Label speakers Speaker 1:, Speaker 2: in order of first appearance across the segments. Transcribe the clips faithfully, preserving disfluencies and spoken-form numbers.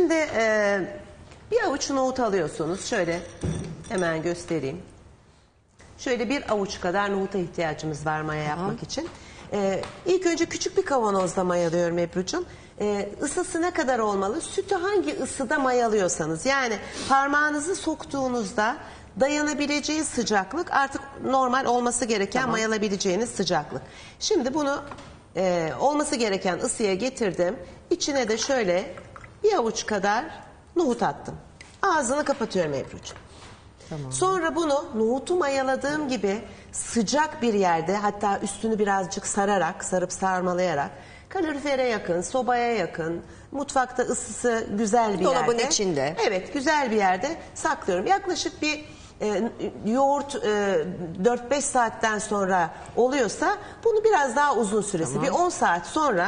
Speaker 1: Şimdi e, bir avuç nohut alıyorsunuz. Şöyle hemen göstereyim. Şöyle bir avuç kadar nohuta ihtiyacımız var maya yapmak için. Ee, ilk önce küçük bir kavanozda mayalıyorum Ebru'cum. Ee, ısısı ne kadar olmalı? Sütü hangi ısıda mayalıyorsanız. Yani parmağınızı soktuğunuzda dayanabileceği sıcaklık artık normal olması gereken tamam. mayalabileceğiniz sıcaklık. Şimdi bunu e, olması gereken ısıya getirdim. İçine de şöyle bir avuç kadar nohut attım. Ağzını kapatıyorum Ebru'cum. Tamam. Sonra bunu nohutu mayaladığım gibi sıcak bir yerde, hatta üstünü birazcık sararak, sarıp sarmalayarak, kalorifere yakın, sobaya yakın, mutfakta ısısı güzel bir
Speaker 2: Dolabın
Speaker 1: yerde.
Speaker 2: Dolabın içinde.
Speaker 1: Evet, güzel bir yerde saklıyorum. Yaklaşık bir e, yoğurt e, dört beş saatten sonra oluyorsa bunu biraz daha uzun süresi, tamam. bir on saat sonra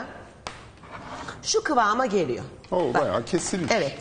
Speaker 1: şu kıvama geliyor.
Speaker 3: Oo, bayağı kesilmiş.
Speaker 1: Evet.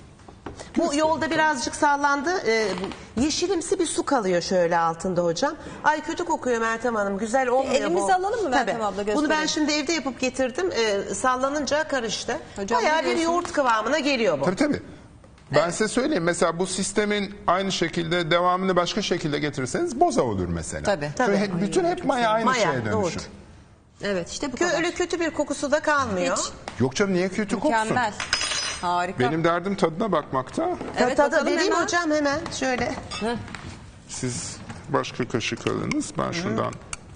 Speaker 1: Bu yolda birazcık sallandı. Ee, yeşilimsi bir su kalıyor şöyle altında hocam. Ay kötü kokuyor Meltem Hanım. Güzel olmuyor.
Speaker 2: Elimizi
Speaker 1: bu.
Speaker 2: alalım mı Meltem
Speaker 1: Tabii.
Speaker 2: abla? Gösterelim.
Speaker 1: Bunu ben şimdi evde yapıp getirdim. Ee, sallanınca karıştı.
Speaker 2: Hocam,
Speaker 1: bayağı bir yoğurt kıvamına geliyor bu.
Speaker 3: Tabii tabii. Ben evet. size söyleyeyim, mesela bu sistemin aynı şekilde devamını başka şekilde getirirseniz boza olur mesela.
Speaker 2: Tabii. Tabii.
Speaker 3: Hep, bütün hep maya aynı
Speaker 1: maya,
Speaker 3: şeye dönüşür.
Speaker 1: Yoğurt.
Speaker 2: Evet işte bu
Speaker 1: Kö
Speaker 2: kadar.
Speaker 1: Öyle kötü bir kokusu da kalmıyor.
Speaker 2: Hiç.
Speaker 3: Yok canım, niye kötü koksun?
Speaker 2: Mükemmel. Harika.
Speaker 3: Benim derdim tadına bakmakta.
Speaker 2: Evet,
Speaker 1: tadı vereyim
Speaker 2: hemen.
Speaker 1: hocam hemen şöyle.
Speaker 2: Heh.
Speaker 3: Siz başka kaşık alınız. Ben şundan.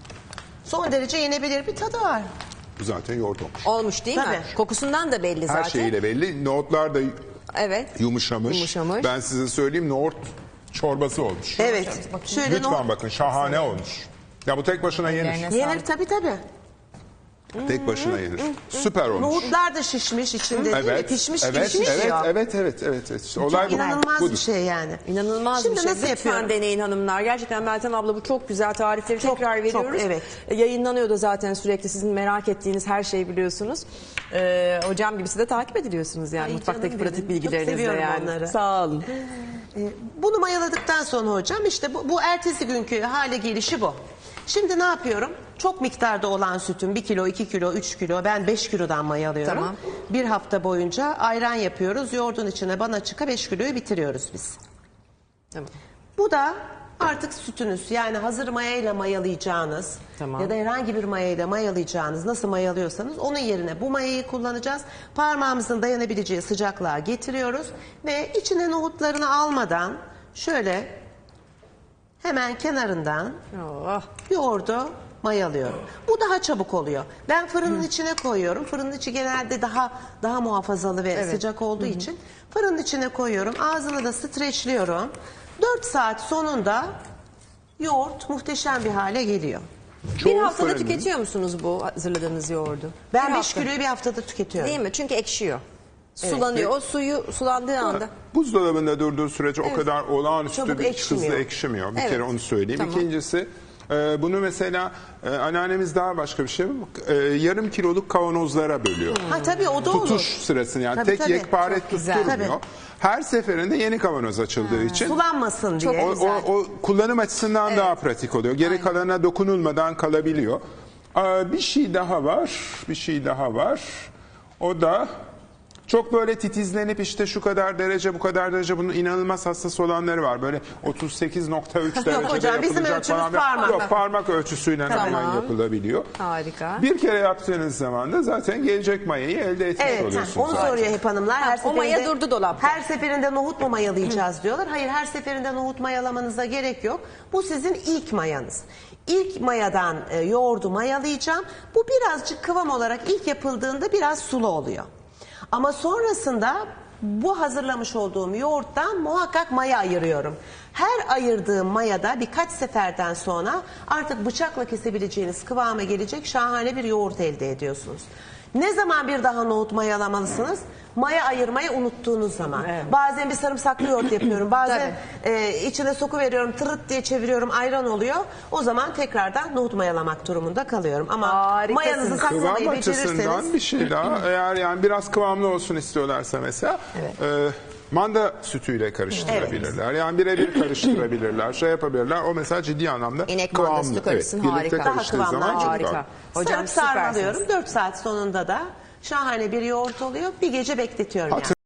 Speaker 1: Son derece yenebilir bir tadı var.
Speaker 3: Bu zaten yoğurt olmuş.
Speaker 2: Olmuş değil
Speaker 1: Tabii.
Speaker 2: mi? Kokusundan da belli zaten.
Speaker 3: Her şeyiyle belli. Nohutlar da
Speaker 2: evet.
Speaker 3: yumuşamış.
Speaker 2: yumuşamış.
Speaker 3: Ben size söyleyeyim, nohut çorbası olmuş.
Speaker 1: Evet. Şöyle
Speaker 3: Lütfen
Speaker 1: nohut...
Speaker 3: bakın, şahane olmuş. Ya bu tek başına yenir.
Speaker 1: Yenir tabii tabii.
Speaker 3: Tek başına yenir. Süper olmuş.
Speaker 1: Nohutlar da şişmiş içinde değil mi?
Speaker 3: Evet,
Speaker 1: Pişmiş
Speaker 3: evet,
Speaker 1: pişmiş
Speaker 3: evet,
Speaker 1: ya.
Speaker 3: evet, evet, evet, evet. İşte olay bu.
Speaker 1: İnanılmaz
Speaker 3: budur.
Speaker 1: bir şey yani.
Speaker 2: İnanılmaz
Speaker 1: Şimdi
Speaker 2: bir şey.
Speaker 1: nasıl
Speaker 2: Lütfen
Speaker 1: yapıyorum?
Speaker 2: deneyin hanımlar. Gerçekten Meltem abla bu çok güzel tarifleri
Speaker 1: Çok,
Speaker 2: tekrar veriyoruz.
Speaker 1: çok, evet.
Speaker 2: E, Yayınlanıyor da zaten sürekli, sizin merak ettiğiniz her şeyi biliyorsunuz. Ee, hocam gibisi de takip ediliyorsunuz yani.
Speaker 1: Ay,
Speaker 2: mutfaktaki
Speaker 1: canım
Speaker 2: pratik
Speaker 1: benim.
Speaker 2: bilgilerinizle
Speaker 1: Çok seviyorum
Speaker 2: yani.
Speaker 1: onları.
Speaker 2: Sağ olun.
Speaker 1: Ee, Bunu mayaladıktan sonra hocam işte bu, bu ertesi günkü hale gelişi bu. Şimdi ne yapıyorum? Çok miktarda olan sütün bir kilo, iki kilo, üç kilo, ben beş kilodan mayalıyorum.
Speaker 2: Tamam.
Speaker 1: Bir hafta boyunca ayran yapıyoruz. Yoğurdun içine bana çıka beş kiloyu bitiriyoruz biz.
Speaker 2: Tamam.
Speaker 1: Bu da artık sütünüz, yani hazır mayayla mayalayacağınız
Speaker 2: Tamam.
Speaker 1: ya da herhangi bir mayayla mayalayacağınız, nasıl mayalıyorsanız onun yerine bu mayayı kullanacağız. Parmağımızın dayanabileceği sıcaklığa getiriyoruz ve içine nohutlarını almadan şöyle hemen kenarından
Speaker 2: Oh.
Speaker 1: yoğurdu mayalıyorum. Bu daha çabuk oluyor. Ben fırının Hı. içine koyuyorum. Fırının içi genelde daha daha muhafazalı ve
Speaker 2: Evet.
Speaker 1: sıcak olduğu Hı. için fırının içine koyuyorum. Ağzını da streçliyorum. dört saat sonunda yoğurt muhteşem bir hale geliyor.
Speaker 2: Bir haftada
Speaker 3: fırın-
Speaker 2: tüketiyor musunuz bu hazırladığınız yoğurdu?
Speaker 1: Ben
Speaker 2: Bir
Speaker 1: beş
Speaker 2: hafta.
Speaker 1: kiloyu bir haftada tüketiyorum.
Speaker 2: Değil mi? Çünkü ekşiyor.
Speaker 1: Evet.
Speaker 2: Sulanıyor. O suyu sulandığı anda.
Speaker 3: Buzdolabında durduğu sürece o kadar olağanüstü
Speaker 1: Çabuk
Speaker 3: bir
Speaker 1: ekşimiyor.
Speaker 3: hızlı ekşimiyor. Bir
Speaker 2: Evet.
Speaker 3: kere onu söyleyeyim.
Speaker 2: Tamam.
Speaker 3: İkincisi, e, bunu mesela e, anneannemiz daha başka bir şey. E, yarım kiloluk kavanozlara bölüyor.
Speaker 1: Ha tabii o da olur.
Speaker 3: Tutuş sırasını, yani
Speaker 1: Tabii,
Speaker 3: tek
Speaker 1: tabii.
Speaker 3: yekpare
Speaker 2: Çok güzel.
Speaker 3: tutturmuyor.
Speaker 1: Tabii.
Speaker 3: Her seferinde yeni kavanoz açıldığı için
Speaker 1: Sulanmasın diye.
Speaker 3: o, o, o kullanım açısından daha pratik oluyor. Geri kalanına dokunulmadan kalabiliyor. Aa, bir şey daha var. Bir şey daha var. O da çok böyle titizlenip işte şu kadar derece, bu kadar derece, bunun inanılmaz hassas olanları var. Böyle otuz sekiz nokta üç derecede
Speaker 1: hocam, bizim
Speaker 3: yapılacak
Speaker 1: ölçümüz
Speaker 3: falan.
Speaker 1: parmak.
Speaker 3: Yok, parmak ölçüsüyle
Speaker 2: Tamam.
Speaker 3: hemen yapılabiliyor.
Speaker 2: Harika.
Speaker 3: Bir kere yaptığınız zaman da zaten gelecek mayayı elde etmiş
Speaker 1: Evet,
Speaker 3: oluyorsunuz.
Speaker 1: onu
Speaker 3: zaten.
Speaker 1: soruyor hep hanımlar. Her
Speaker 2: o maya durdu dolapta.
Speaker 1: Her seferinde nohut mu mayalayacağız diyorlar. Hayır, her seferinde nohut mayalamanıza gerek yok. Bu sizin ilk mayanız. İlk mayadan e, yoğurdu mayalayacağım. Bu birazcık kıvam olarak ilk yapıldığında biraz sulu oluyor. Ama sonrasında bu hazırlamış olduğum yoğurttan muhakkak maya ayırıyorum. Her ayırdığım mayada birkaç seferden sonra artık bıçakla kesebileceğiniz kıvama gelecek şahane bir yoğurt elde ediyorsunuz. Ne zaman bir daha nohut mayalamalısınız? Maya ayırmayı unuttuğunuz zaman. Evet. Bazen bir sarımsaklı yoğurt yapıyorum. Bazen e, içine soku veriyorum, tırıt diye çeviriyorum, ayran oluyor. O zaman tekrardan nohut mayalamak durumunda kalıyorum. Ama
Speaker 2: Harikasınız.
Speaker 1: mayanızı
Speaker 3: Kıvam
Speaker 1: saklamayı
Speaker 3: açısından
Speaker 1: becerirseniz...
Speaker 3: bir şey daha. Eğer yani biraz kıvamlı olsun istiyorlarsa mesela e, manda sütüyle karıştırabilirler. Yani birebir karıştırabilirler. Şey yapabilirler. O mesela ciddi anlamda
Speaker 2: İnek
Speaker 3: kıvamlı.
Speaker 2: mandası karışsın,
Speaker 3: birlikte
Speaker 2: harika. Daha
Speaker 3: karıştığı
Speaker 1: kıvamlı,
Speaker 3: zaman çok
Speaker 2: harika.
Speaker 3: daha-
Speaker 2: Hocam
Speaker 1: Sarıp sarmalıyorum.
Speaker 2: süpersiniz.
Speaker 1: dört saat sonunda da şahane bir yoğurt oluyor. Bir gece bekletiyorum yani.